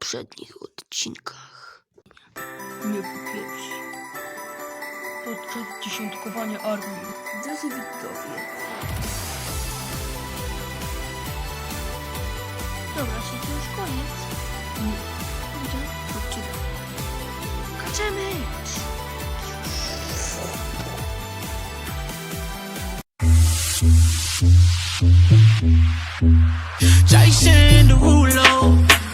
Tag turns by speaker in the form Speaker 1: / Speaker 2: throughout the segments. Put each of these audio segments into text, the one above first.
Speaker 1: poprzednich odcinkach. Nie pierwsi. Podczas dziesiątkowania armii. Drodzy widzowie. Dobra, czyli to już koniec. Nie. Gdzie? Chodźcie. Kaczemy!
Speaker 2: Jason Derulo.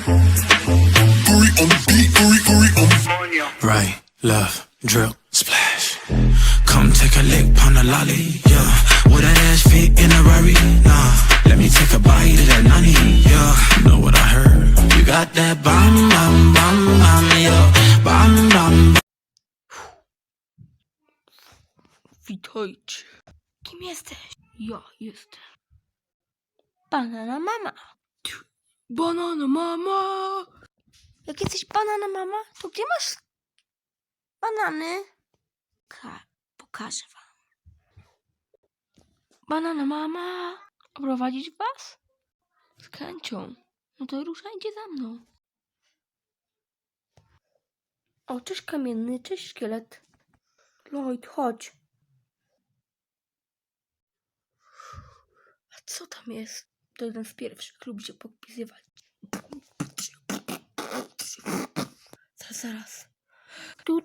Speaker 2: Right, left, drill, splash. Come take a lick, pound a lolly, yeah. Would that ass fit in a Rari? Nah. Let me take a bite of that nani, yeah. Know what I heard? You got that bam, bam, bam, bam, yeah. Bam, bam.
Speaker 1: Witajcie. Kim jesteś? Ja jestem. Banana mama. Banana mama. Jak jesteś banana mama, to gdzie masz banany? Pokażę wam. Banana mama. Oprowadzić was? Z chęcią. No to ruszajcie za mną. O, cześć kamienny, cześć szkielet. Lloyd, chodź. A co tam jest? To jeden z pierwszych, lubi się podpisywać. Zaraz. Tu.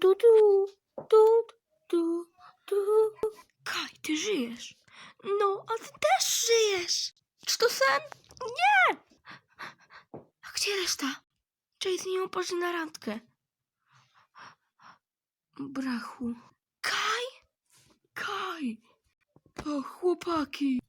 Speaker 1: Kaj, ty żyjesz. No, a ty też żyjesz. Czy to sen? Nie! A gdzie reszta? Czy z nią poszli na randkę? Brachu. Kaj! O, chłopaki.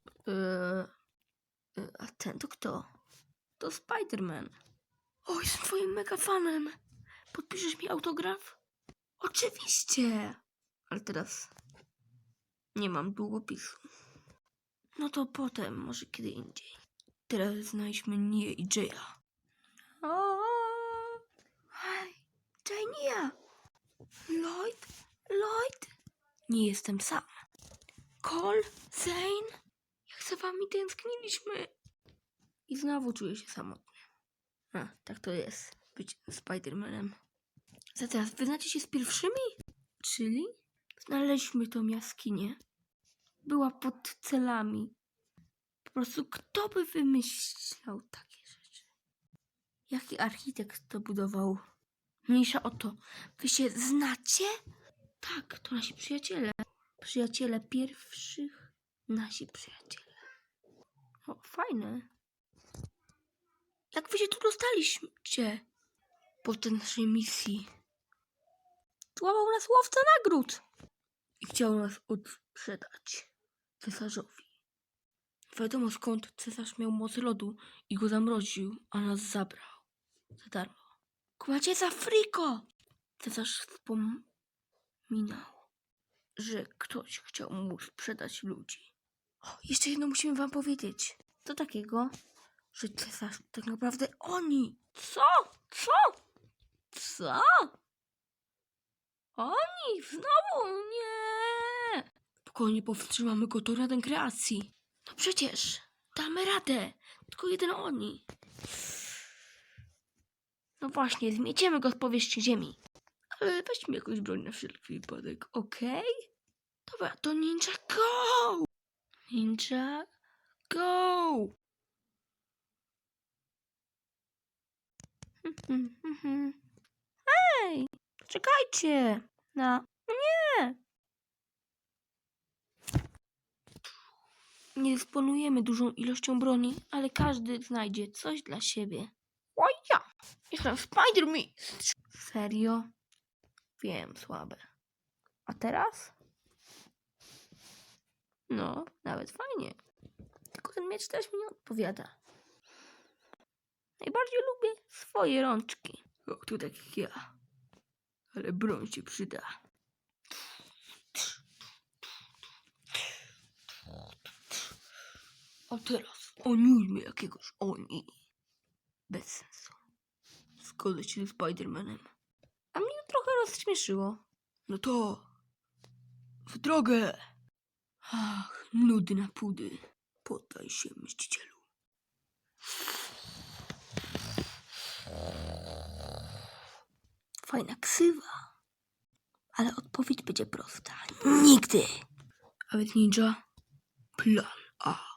Speaker 1: A ten to kto? To Spider-Man. O, jestem twoim mega fanem. Podpiszesz mi autograf? Oczywiście. Ale teraz nie mam długopisu. No to potem, może kiedy indziej. Teraz znajdźmy Nię i Jaya. Hej, Jay, Nia. Lloyd? Nie jestem sam. Cole, Zane, jak za wami tęskniliśmy. I znowu czuję się samotny. A, tak to jest, być Spider-Manem. Za teraz wyznacie się z pierwszymi? Czyli? Znaleźliśmy tą jaskinię. Była pod celami. Po prostu kto by wymyślał takie rzeczy? Jaki architekt to budował? Mniejsza o to. Wy się znacie? Tak, to nasi przyjaciele. Przyjaciele pierwszych. Nasi przyjaciele. O, fajne. Jak wy się tu dostaliście? Podczas naszej misji. Złapał nas łowca nagród. I chciał nas odsprzedać cesarzowi. Wiadomo skąd cesarz miał moc lodu i go zamroził, a nas zabrał. Za darmo. Kładzie za friko! Cesarz wspominał, że ktoś chciał mu sprzedać ludzi. O, jeszcze jedno musimy wam powiedzieć. Co takiego, że cesarz tak naprawdę oni. Co? Oni? Znowu? Nie! Spokojnie powstrzymamy go do Radę Kreacji. No przecież, damy radę. Tylko jeden oni. No właśnie, zmieciemy go z powierzchni ziemi. Ale weźmy jakąś broń na wszelki wypadek, okej? Dobra, to Ninja Go! Ninja Go! Hej! Czekajcie! Nie! Nie dysponujemy dużą ilością broni, ale każdy znajdzie coś dla siebie. O ja! Jestem Spider-Man! Serio? Wiem, słabe. A teraz? No, nawet fajnie. Tylko ten miecz też mi nie odpowiada. Najbardziej lubię swoje rączki. O, tu tak jak ja. Ale broń się przyda. A teraz oniujmy jakiegoś oni. Bez sensu. Zgodzę się z Spider-Manem. A mnie to trochę rozśmieszyło. No to w drogę. Ach, nudna pudy. Poddaj się, mścicielu. Fajna ksywa. Ale odpowiedź będzie prosta. Nigdy. A więc ninja, plan A.